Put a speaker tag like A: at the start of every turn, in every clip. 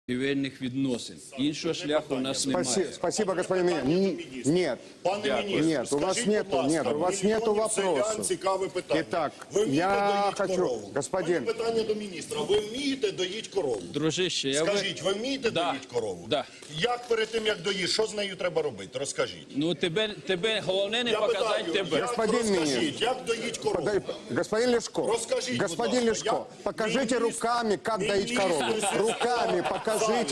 A: торгівельних відносин. Іншого шляху у нас немає.
B: Спасибо, господин министр. Нет.
C: Пане міністр,
B: Нет, у вас нету вопросов.
C: Цікаве питання.
B: Итак,
C: Ви вмієте
B: я
C: доїть
B: хочу,
C: корову?
B: господин.
C: У мене питання до міністра. Ви вмієте доїть корову?
A: Дружище, я
C: Скажіть, ви вмієте
A: Да.
C: доїть корову?
A: Да.
C: Як перед тим, як доїш, що з нею треба робити? Розкажіть.
A: Ну тебе головне не
C: Я
A: показати
C: питаю,
A: тебе.
B: Господин
C: розкажіть,
B: міністр.
C: як доїть корову?
B: Господин Лешко,
C: Расскажите,
B: господин
C: пожалуйста,
B: Лешко, покажите руками, как доить корову. Руками покажите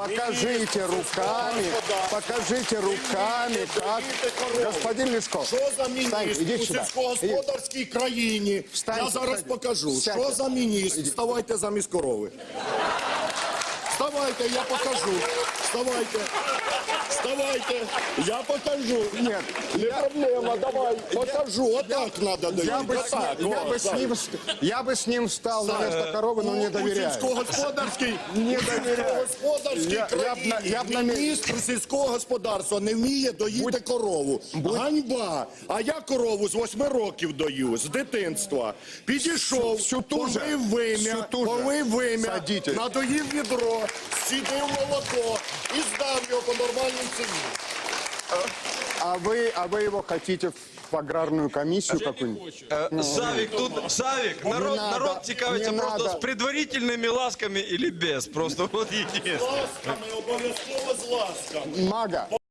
B: руками, как... Господин Лешко,
C: Що за
B: встань,
C: міністр
B: иди
C: у
B: сюда.
C: сільськогосподарській країні?
B: Встань,
C: Я зараз
B: встань.
C: покажу.
B: Сядьте.
C: Що за міністр? Вставайте замість корови. Вставайте, я покажу. Вставайте. Вставайте, я покажу.
B: Нет,
C: Не проблема, давай, покажу. Отак треба доїти.
B: я бы с ним встал на место коровы, но не
C: У
B: доверяю.
C: сільськогосподарській
B: Не доверяю.
C: країні
B: я б на
C: міністр сільського господарства не вміє доїти корову. Ганьба! А я корову з 8 років дою, з дитинства. Підійшов, повив вим'я,
B: Садіть.
C: надоїв відро, сідив молоко і здав його по нормальній ціні.
B: А вы его хотите в аграрную комиссию какую-нибудь?
D: Савик, народ цікавиться
B: не
D: просто
B: надо.
D: з предварительними ласками или без. Просто вот единственное.
C: З ласками, обов'язково з ласками.
B: Мага.